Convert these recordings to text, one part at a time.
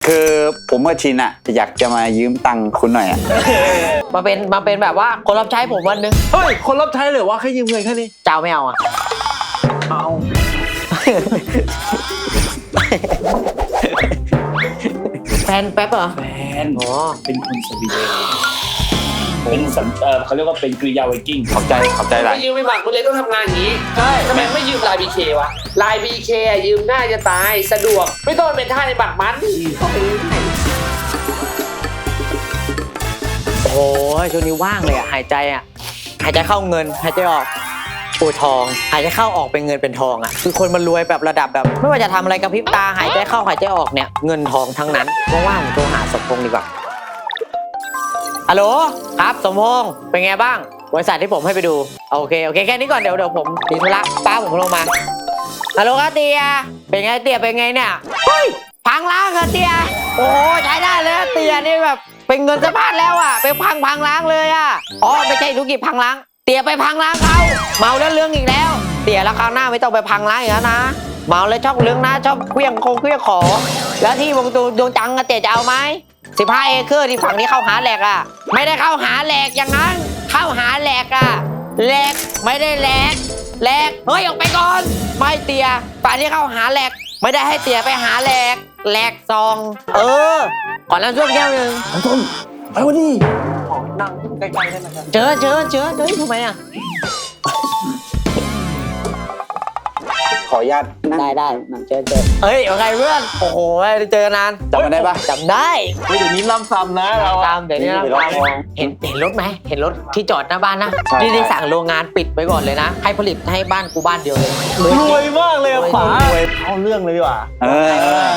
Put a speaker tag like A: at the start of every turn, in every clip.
A: คือผมกับชินอะอยากจะมายืมตังค์คุณหน่อยอะ
B: มาเป็นแบบว่าคนรับใช้ผมวันนึง
C: เฮ้ยคนรับใช้เลยว่าแค่ยืมเงินแค่นี้
B: เจ้าไม่เอาอ่ะ
C: เอา
B: แฟนแป๊บเหรอ
D: แฟน
B: อ๋อ
D: เป็นคนสวีเดนเป็นเขาเรียกว่าเป็นกริยาไวกิ้ง
A: ขอบใจหลาย
E: ไม่ยืมไม่หมักมึงเลยต้องทำงานอย่างนี้
C: ใช่
E: ทำไมไม่ยืมลายบีเควะลายบีเคยืมง่ายจะตายสะดวกไม่ต้องเป็นท่าในบักมัน
B: โอ้โหช่วงนี้ว่างเลยอ่ะหายใจเข้าเงินหายใจออกปูทองหายใจเข้าออกเป็นเงินเป็นทองอ่ะคือคนมันรวยแบบระดับแบบไม่ว่าจะทำอะไรกับพริบตาหายใจเข้าหายใจออกเนี่ยเงินทองทั้งนั้นว่างๆผมโทรหาสมพงษ์ดีกว่าฮัลโหลครับสมพงษ์เป็นไงบ้างบริษัทที่ผมให้ไปดูโอเคแค่นี้ก่อนเดี๋ยวผมมีธุระป้าผมลงมาฮัลโหลครับเตียเป็นไงเตียเป็นไงเนี่ยเฮ้ยพังล้างครับเตียโอ้โหใช้ได้เลยเตียนี่แบบเป็นเงินสะพัดแล้วอ่ะไปพังล้างเลยอ่ะอ๋อไม่ใช่ธุรกิจพังล้างเตียไปพังล้างเขาเมาแล้วเรื่องอีกแล้วเตียแล้วคราวหน้าไม่ต้องไปพังล้างอีกแล้วนะเมาแล้วชอบเรื่องนะชอบเคลี้ยงของแล้วที่วงตูดวงจังอะเตียจะเอาไหม15 เอเคอร์ที่ฝั่งนี้เข้าหาแหลกอ่ะไม่ได้เข้าหาแหลกอย่างนั้นเข้าหาแหลกอ่ะแหลกไม่ได้แหลกเฮ้ยออกไปก่อนไม่เตียฝั่งที่เข้าหาแหลกไม่ได้ให้เตียไปหาแหลกซองก่อนน้ำส้มแก้วนึง
C: น้ำส้มไปวันนี้
B: นั่งใกล้ๆได้ไหมครับเจอเฮ้ยทำไมอ่ะ
A: ขออนุญาตนั่ง
B: ได้เจอเฮ้ยว่าไงเพื่อนโอ้โหเจอกันนาน
A: จำมาได้ปะ
B: จำได้
C: เฮ้ยเดี๋ยวนี้ล่ำซ้ำนะเรา
B: ตามเดี๋ยวนี้เราเห็นรถไหมเห็นรถที่จอดหน้าบ้านนะ
A: ใช่
B: นี่ได้สั่งโรงงานปิดไว้ก่อนเลยนะให้ผลิตให้บ้านกูบ้านเดียวเลย
C: รวยมากเลยอะป๋าร
B: วย
C: เอาเรื่องเลยดีกว่า
A: เออ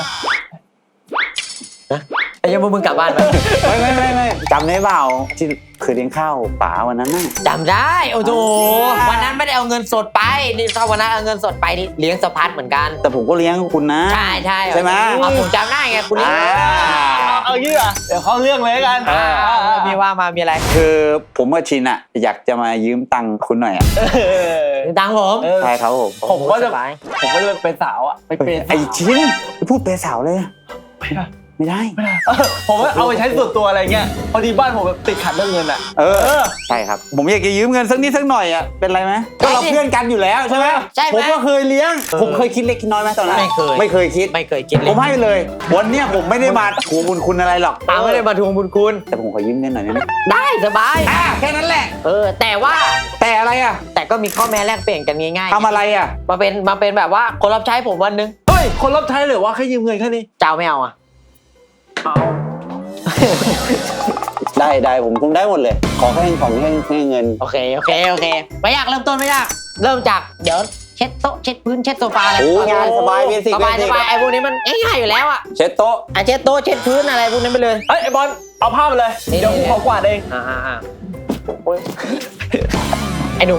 B: ไอ้ยังมึงกลับบ้านไหม
A: ไม่จำได้เปล่าที่เคยเลี้ยงข้าวป๋าวันนั้นน่ะ
B: จำได้โอ้โหวันนั้นไม่ได้เอาเงินสดไปนี่ถ้าวันนั้นเอาเงินสดไปนี่เลี้ยงสะพัดเหมือนกัน
A: แต่ผมก็เลี้ยงคุณนะ
B: ใช่
A: ใช่ไหม
B: ผมจำได้ไงคุณนี่
C: เอางี้อ่ะเดี๋ยวเข้าเรื่องเลยกัน
B: มีว่ามามีอะไร
A: คือผมกับชินอะอยากจะมายืมตังค์คุณหน่อยอะ
B: ดังผม
A: ใช่ครับผม
C: ผมก็จะ
B: สบาย
C: เป็นสาวอ่ะไปเป็น
A: ไอ้ชินพูดเปย์สาวเลยอะไม่ได้
C: ผมว่าเอาไปใช้ส่วนตัวอะไรเงี้ยพอดีบ้านผมแบบติดขัดเรื่องเงินอ่ะ
A: ใช่ครับผมอยากจะยืมเงินสักนิดสักหน่อยอะเป็นไรไหมก็เราเพื่อนกันอยู่แล้วใช่ไหม
B: ใช่ไหม
A: ผมก็เคยเลี้ยงผมเคยคิดเล็กคิดน้อยไหมตอนนั้น
B: ไม่เคย
A: คิด
B: ไม่เคยกินเลย
A: ผมให้เลย วันเนี้ยผมไม่ได้มาทวงบุญคุณอะไรหรอก
B: ตามไม่ได้มาทวงบุญคุณ
A: แต่ผมขอยืมเงินหน่อยได้ไหม
B: ได้สบาย
A: แค่นั้นแหละ
B: แต่ว่า
A: แต่อะไรอะ
B: แต่ก็มีข้อแม้แลกเปลี่ยนกันง่าย
A: ทำอะไรอะ
B: ๆมาเป็นแบบว่าคนรับใช้ผมวันนึง
C: เฮ้ยคนรับใช้เลยว่าแค่ยืมเงินแค่นี้
B: เจ้าไม่เอาอ่ะ
C: เอา
A: ได้ผมได้หมดเลย ขอแค่เงิน
B: โอเคไม่ยากเริ่มต้นไม่ยากเริ่มจากเดี๋ยวเช็ดโต๊ะเช็ดพื้นเช็ดโซฟาอะไร
A: โอ้งานสบายเบสิก
B: สบายไอ้พวกนี้มันง่ายๆอยู่แล้วอ่ะ
A: เช็ดโต๊ะ
B: เช็ดโต๊ะเช็ดพื้นอะไรพวกนั้นไปเลย
C: เอ้ยไอ้บอลเอาผ้ามาเลย
B: นี่
C: เดี๋ยวผมขอกวาดเอง
B: โอ้ยไอ้หนุ่ม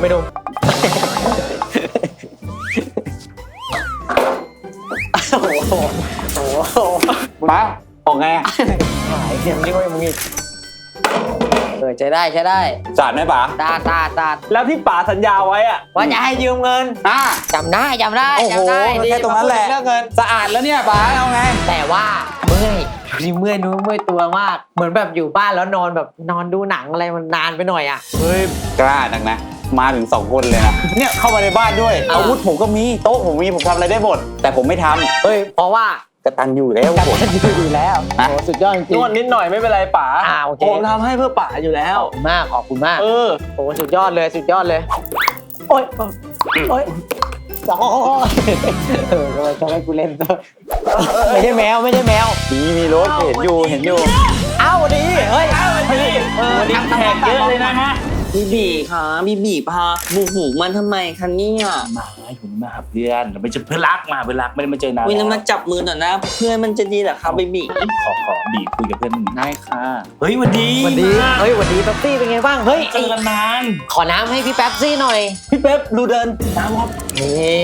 B: โอ้โห
A: มาออกไงอะ
B: หายเดี๋ยวนี้มึงอีกใช้ได้
A: สาดไหมป๋า
B: ตา
C: แล้วที่ป๋าสัญญาไว้อ่ะ
B: ว่าจะให้ยืมเงิน จำได้
A: โอ้โหแค่ตรงนั้นแหละ
B: เรื่องเงิน
A: สะอาดแล้วเนี่ยป๋าเอาไง
B: แต่ว่าเมื่อยนู้นเมื่อยตัวมาก เหมือนแบบอยู่บ้านแล้วนอนแบบนอนดูหนังอะไรมันนานไปหน่อยอ่ะ
A: เฮ้ยกล้านักนะมาถึง2 คนเลยนะเนี่ยเข้ามาในบ้านด้วย
B: อ่า
A: อาวุธผมก็มีโต๊ะผมมีผมทำอะไรได้หมดแต่ผมไม่ทำ
B: เฮ้ยเพราะว่าก
A: ตันอยู่แล้วผม
B: อยู่แล้ว
A: ฮะ
B: โอ้สุดยอดจริ
C: น
B: ง
C: วดนิดหน่อยไม่เป็นไรป๋า
B: โอเค
C: ผมทำให้เพื่อป๋าอยู่แล้ว
B: ขอบคุณมาก
C: เออ
B: โอ้สุดยอดเลยโอ้ยทำไมกูเล่นไม่ใช่แมว
A: มีรถเห็นอยู่
B: เอ้าดีเฮ้ย
C: วันนี้แขกเยอะเลยนะฮะ
F: บีบีค่ะบีบีพาบุกหูมันทำไมคะเนี่ย
D: มาอยู่มาหาเพื่อนเราไม่ใช่เพื่อนรักมาเพื่อนรักไม่ได้มาเจอนาน
F: วิน
D: แล้ว
F: มาจับมือหน่อยนะ เพื่อนมันจะดีเหรอคะบีบี
D: ขอบีคุยกับเพื่อน
A: ได้ค่ะ
D: เฮ้ยวันดี
B: วันดีเฮ้ยวันดีแป๊บซี่เป็นไงบ้างเฮ้ย
D: เจอกันนาน
B: ขอน้ำให้พี่แป๊บซี่หน่อย
C: พี่เป๊ปดูเดิน
D: น้ำครับ
B: นี่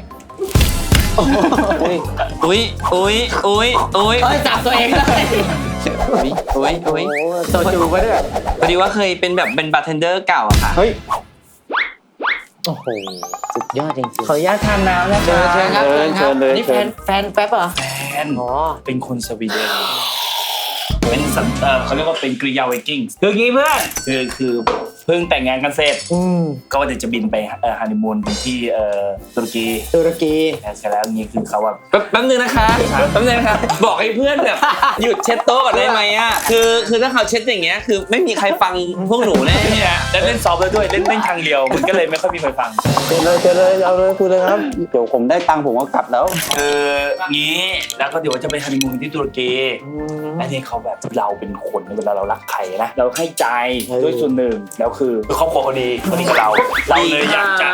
F: อุ้ย
B: จับตัวเองเลย
F: โอ้
B: โซจูไปด้วย
F: พอดีว่าเคยเป็นแบบเป็นบาร์เทนเดอร์เก่าอะค่ะ
A: เฮ้ย
B: โอ้โหสุดยอดจริง
C: ขออนุญาตทานน้ำนะ
B: ๆเชิญครับ
A: เชิญเลย
B: นี่แฟนแป๊บเหรอ
D: แฟนน
B: อ๋อ
D: เป็นคนสวีเดนเป็นเขาเรียกว่าเป็นกริยาไวกิ้งคืองี้เพื่อนคือเพิ่งแต่งงานกันเสร็จก็ว่าจะบินไปฮันนีมูนที่ตุรกี
B: ตุรกี
D: เสร็จแล้วนี่คือเขาว่า
C: แป๊บนึงนะคะแป๊บนึงนะคะบอกให้เพื่อนแบบหยุดเช็ดโต๊ะก่อนได้ไหมอ่ะคือถ้าเขาเช็ดอย่างเงี้ยคือไม่มีใครฟังพวกหนูแน่
D: นี่นะแล้วเล่นซอฟต์แล้วด้วยเล่นทางเดียวมันก็เลยไม่ค่อยมีใครฟัง
A: เชิญเลยเอาเลยคุยเลยครับเดี๋ยวผมได้ตังค์ผมก็กลับแล้ว
D: งี้แล้วก็เดี๋ยวจะไปฮันนีมูนที่ตุรกีและนี่เขาแบบเราเป็นคนเวลาเรารักใครนะเราให้ใจด้วยส่วนหนึ่งแล้วคือครอบครัวคนดีกับเราเลยอยากจะ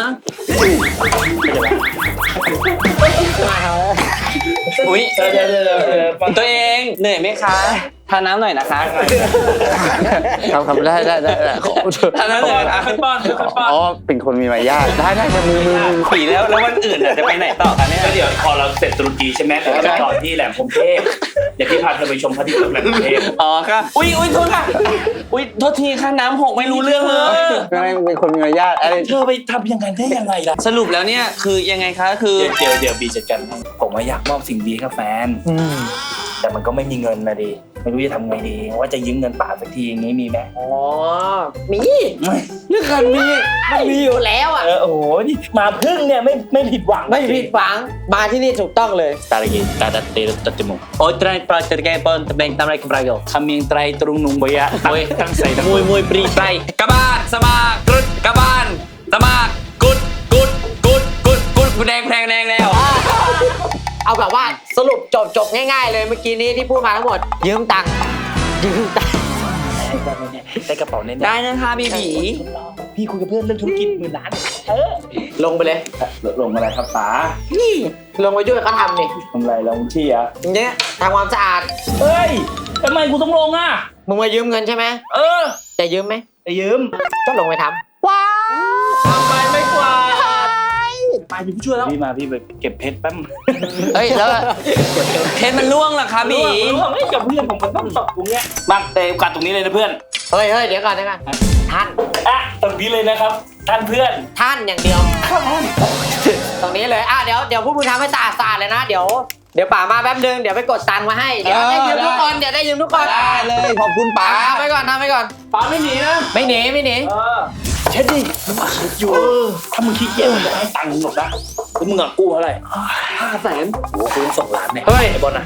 C: อุ้ยตัวเองเหนื่อยไหมคะทานน้ำหน่อยนะคะ
A: ครับได้
C: ทานน้ำหน่อยค่อยป้อนค่อยป้อน
A: อ๋อเป็นคนมีมารยาทได้ครับมือ
C: ปีแล้ววันอื่นจะไปไหนต่อคะเนี่ย
D: ก็เดี๋ยวพอเราเสร็จตุรกีใช่ไหมเราจะต่อที่แหลมพรหมเทพเดี๋ยวพี่พาเธอไปชมพระอาทิตย์ตกแหลมพรหมเทพ
C: อ๋อค่ะอุ้ยโทษค่ะอุ้ยโทษทีค่ะน้ำหกไม่รู้เรื่องเลย
A: เป็นคนมีมารยาทอะไร
D: เธอไปทำยังไงได้ยังไงล่ะ
C: สรุปแล้วเนี่ยคือยังไงคะคือ
D: เดี๋ยวบีจัดการให้ผมอยากมอบสิ่งดีให้กับแฟนแต่มันก็ไม่มีเงินนะดิไม่รู้จะทำไงดีว่าจะยืมเงินป่าสักทีอย่างนี้มีไหม
B: อ๋อมีเรื่องการมีมันมีอยู่แล้วอ่ะ
D: โอ้โหนี่มาพึ่งเนี่ยไม่ผิดหวัง
B: ไม่ผิดหวังมาที่นี่ถูกต้องเลย
D: ตาลกิตาดัตเตตัตติมุ
C: โอ้ยไตรปลาจะแกปนตะเบงตามไรกับไรกัน
D: คำเมียงไตรตรุงนุงบยะตั้งใส่ทั้ง
C: มวยปรีไตรกระบานสมากรุดกระบานสมากกุดแดงแล้ว
B: เอาแบบว่าสรุปจบง่ายๆเลยเมื่อกี้นี้ที่พูดมาทั้งหมดยืมตังค์
D: ได้กระเป๋าแน่ๆ
C: ได้นะคะบีบี
D: พี่คุยกับเพื่อนเรื่องธุรกิจ10,000 ล้าน
B: ลงไปเลย
D: ลงอะไรครับป๋า
B: นี่ลงไปช่วยเขาทำนี่
D: ทำอะไรลงที่อ่ะ
B: อย่างเงี้ยทำความสะอาด
D: เฮ้ยทำไมกูต้องลงอ่ะ
B: มึงมายืมเงินใช่ไหม จะยืมไหม
D: จะยืม
B: ก็ลงไปทำว้าว
C: ทำไมไม่กวาด
D: ไปเป็นผู้ช่วยแล้วพี่มาพี่ไปเก็บเพชรแป๊บ
C: เฮ้ยแล้วเพชรมันล่วงเหรอคะบี
D: รู้ไม่กับเพื่อนผมมันต้องตบตรงเนี้ยมาเตะกัดตรงนี้เลยนะเพื่อน
B: เฮ้ยเดี๋ยวก่อนท่าน
D: ตรงนี้เลยนะครับท่านเพื่อน
B: ท่านอย่างเดียวตรงนี้เลยเดี๋ยวพวกมึงทำให้สะอาดเลยนะเดี๋ยวป๋ามาแป๊บนึงเดี๋ยวไปกดตังค์มาให้เดี๋ยวได้ยืมทุกคน
A: ได้เลยขอบคุณป๋า
B: ทำไปก่อน
D: ป๋าไม่หนีนะ
B: ไม่หนี
D: เช็ดดิอยู่ถ้ามึงขี้เกียจมึงจะให้ตังค์มึงหรอกนะแล้วมึงอะกู้เท่าไหร่500,000โอ้โหกู2 ล้านเนี่ยไอ้บอลน่ะ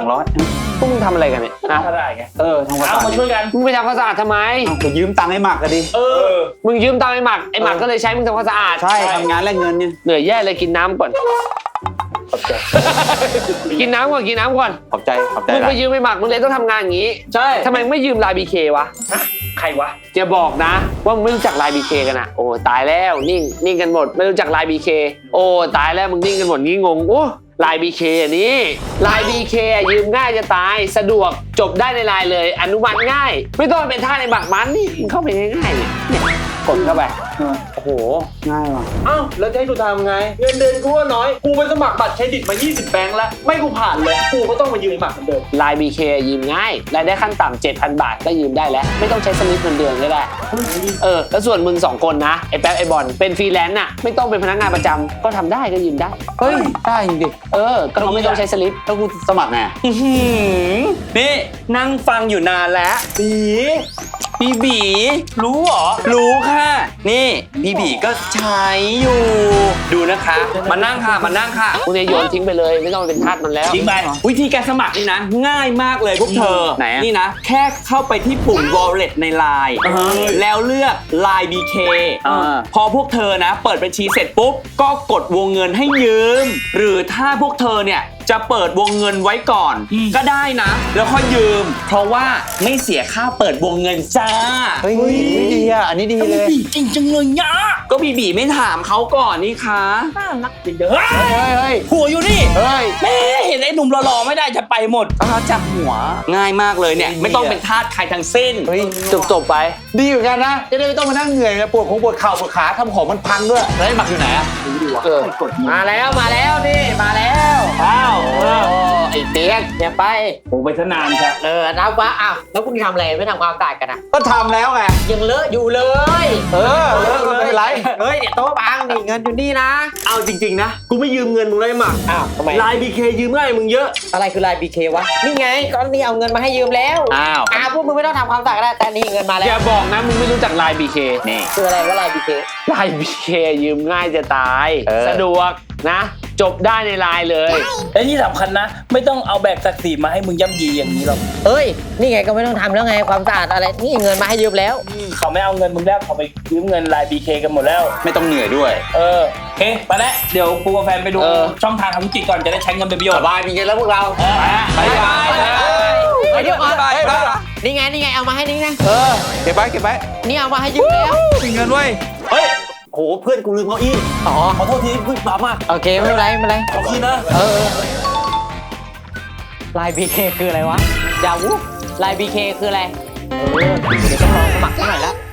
A: 200
C: พวกมึงทำอะไรกันเนี่ย
D: ถ้าได้ไง
A: ทำความสะอาด
D: มาช่วยกัน
C: มึงไปทำความสะอาดทำไม
A: ก็ยืมตังค์ให้หมักกันดิ
C: มึงยืมตังค์ไอ้หมักก็เลยใช้มึงทำความสะอาด
A: ใช่ทำงานแลกเงินเนี่ย
C: เหนื่อยแย่เลยกินน้ำก่อน
D: ขอบใจ
C: กินน้ำก่อน
A: ขอบใจ
C: มึงไปยืมไอ้หมักมึงเลยต้องทำงานอย่างนี้ใช่ทำไมไม่ยืมลายบีเควะ
D: ใครวะ
C: จะบอกนะว่ามึงไม่รู้จักลายบีเคกันอะโอ้ตายแล้วนิ่งกันหมดไม่รู้จักลายบีเคโอ้ตายแล้วมึงนิ่งกันหมดงี้งงโอ้ลายบีเคนี่ลายบีเคยืมง่ายจะตายสะดวกจบได้ในไลน์เลยอนุมัติง่าย ไม่ต้องเป็นท่าในบักมันนี่มึงเข้าไปง่ายๆเนี่ยกดเข้าไปโอ้โห
A: ง่ายว่ะ
C: อ้าวแล้วจะให้กูทำไงเงินเดือนกูว่าน้อยกูไปสมัครบัตรเครดิตมา20แบงค์แล้วไม่กูผ่านเลยกูก็ต้องมายืมบัตรเหมือนเดิมลายบีเคยืมง่ายรายได้ขั้นต่ำ 7,000 บาทก็ยืมได้แล้วไม่ต้องใช้สลิปเงินเดือนก็ได้แล้วส่วนมึง2คนนะไอ้แป๊บไอ้บอลเป็นฟรีแลนซ์น่ะไม่ต้องเป็นพนักงานประจำก็ทำได้ก็ยืมได้
A: เฮ้ยได้จริงดิ
C: ก็เขาไม่ต้องใช้สลิป
A: แล้วกูสมัครไง
C: นี่นั่งฟังอยู่นานแล้วบีรู้เหรอรู้ค่ะนี่บีก็ใช้อยู่ดูนะคะมานั่งค่ะคุณเนี่ยโยนทิ้งไปเลยไม่ต้องเป็นทาสมันแล้ว
D: ทิ้งไป
C: วิธีการสมัครนี่นะง่ายมากเลยพวกเธอ
A: ไหนอะ
C: นี่นะแค่เข้าไปที่ปุ่ม wallet ใน Line แล้วเลือก Line BK พอพวกเธอนะเปิดบัญชีเสร็จปุ๊บก็กดวงเงินให้ยืมหรือถ้าพวกเธอเนี่ยจะเปิดวงเงินไว้ก่อนก็ได้นะแล้วค่อยยืมเพราะว่าไม่เสียค่าเปิดวงเงินจ้า
A: เฮ้ยดีอ่ะอันนี้ดีเลย
D: จริงจังเลยยะ
C: ก็บีไม่ถามเขาก่อนนี่คะ
D: จริงเด้อ
A: เฮ้ย
D: หัวอยู่นี่
A: เฮ้ย
D: แม่เห็นไอ้หนุ่มหล่อๆไม่ได้จะไปหมด
A: จับหัว
C: ง่ายมากเลยเนี่ยไม่ต้องเป็นทาสใครทั้งสิ้น
A: เฮ้ย
C: จบไป
A: ดีเหมือนกันนะจะได้ไม่ต้องมานั่งเหนื่อยนะปวดเข่าปวดขาทำของมันพังด้วยแล้วไอ้หมักอยู่ไหนอ่ะ
D: กด
B: มาแล้วนี่มาแล้ว
D: อ้าว
A: โอ้
C: ไอ้เตี้ยก
B: อย่าไป
D: ผมไปทนานใช่
B: นับว่าอ้าวแล้วคุณทำอะไรไม่ทำความสะอาดกันอ่ะ
A: ก็ทำแล้วไง
B: ยังเลอะอยู่เลย
A: เลิกไม่เป็นไร
B: เฮ้ยเดี๋ยวโต๊ะบังนี่เงินอยู่นี่นะ
F: เอาจริงๆนะกูไม่ยืมเงินมึงเลยหมัก
B: อ้าวทำไม
F: ลายบีเคยืมง่ายมึงเยอะ
B: อะไรคือลาย BK วะนี่ไงก็นี่เอาเงินมาให้ยืมแล้ว
A: อ้าว
B: พวกมึงไม่ต้องทำความสะอาดก็ได้แต่นี่เงินมาแล้
C: อย่าว บอกนะมึงไม่รู้จักไลน์ BK
A: นี่
B: คืออะไรว่าลาย BK
C: ไลน์ BK ยืมง่ายจะตาย สะดวกนะ จบได้ในไลน์เลย
D: และที่สำคัญนะ ไม่ต้องเอาแบกศักดิ์ศรีมาให้มึงย่ำยีอย่างนี้หรอก
B: เอ้ยนี่ไงก็ไม่ต้องทำแล้วไงความสะอาดอะไรนี่เงินมาให้ยืมแล้ว
D: เขาไม่เอาเงินมึงแล้วเขาไปยืมเงินไลน์ BK กันหมดแล้ว
A: ไม่ต้องเหนื่อยด้วย
D: โอเคไปแล้วเดี๋ยวกูกับแฟนไปดูช่องทางทำธุรกิจก่อนจะได้ใช้เงินเป็นประโยช
C: ส
D: น์
C: บายมีกันแล้วพวกเรา
D: ไปไป
B: เฮ้ยเดี๋ยวก่อน
A: ไปไป
B: นี่ไงเอามาให้นี่นะ
A: เก็บไว้
B: นี่เอามาให้ยืมแล้ว
A: มีเงินเว้ย
F: เฮ้ยโหเพื่อนกูลืมเก้าอี้
B: อ๋อ
F: ขอโทษทีเพิ่งปรับมาก
B: โอเคไม่เป็นไรไม่เป็นไร
F: ขอบคุณนะ
B: ลาย BK คืออะไรวะยาวุลาย BK คืออะไรเดี๋ยวต้องลองสมัครสักหน่อยละ